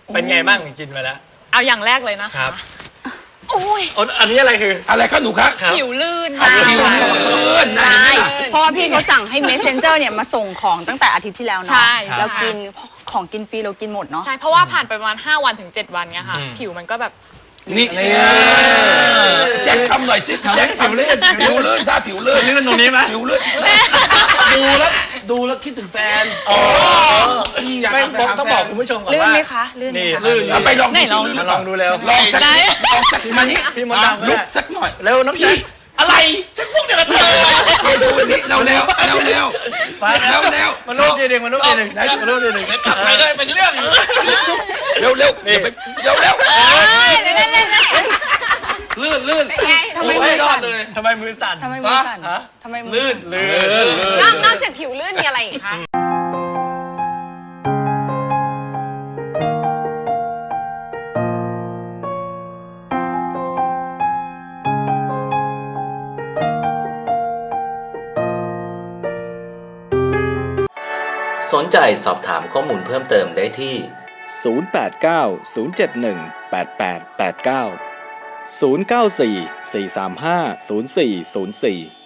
เป็นไงบ้างกินมาแล้วเอาอย่างแรกเลยนะครัคะบโอ้ยอันนี้อะไรคืออะไรคะหนูคะผิวลื่นค่ะผิวลื่นใช่เพราะว่าพี่เขาสั่งให้ Messenger เนี่ยมาส่งของตั้งแต่อาทิตย์ที่แล้วเนาะใช่เรากินของกินฟรีเรากินหมดเนาะใช่เพราะว่าผ่านไปประมาณ5 วันถึง 7 วันเนี้ยค่ะ ผิวมันก็แบบนี่แจ็คคำหน่อยสิแจ็คผิวลื่นผิวลื่นถ้าผิวลื่นลื่นตรงนี้ไหมผิวลื่นดูแล้วคิดถึงแฟนอยากไม่ทำต้องบอกคุณผู้ชมก่อนลื่นว่าไหมคะลื่นไหมนี่คะลื่นเอาไปลองไหนลองลื่นมาลองดูเร็วลองสักมานี่พี่มดดำลุกสักหน่อยเร็วน้ำพี่พี่อะไรฉันพวกเดียวกับเธอไปดูสิเร็วเร็วเร็วเร็วไปเร็วเร็วมาลูกทีหนึ่งมาลูกทีหนึ่งมาลูกทีหนึ่งกลับไปก็เป็นเรื่องอีกเร็วเร็วเร็วเร็วเร็วลื่นทำไมมือสั่นเลยทำไมมือสั่นทำไมมือสั่นฮะทำไมมือลื่นสั่นนอกจากผิวลื่นมีอะไรอีกคะสนใจสอบถามข้อมูลเพิ่มเติมได้ที่ 089 071 8889 094 435 0404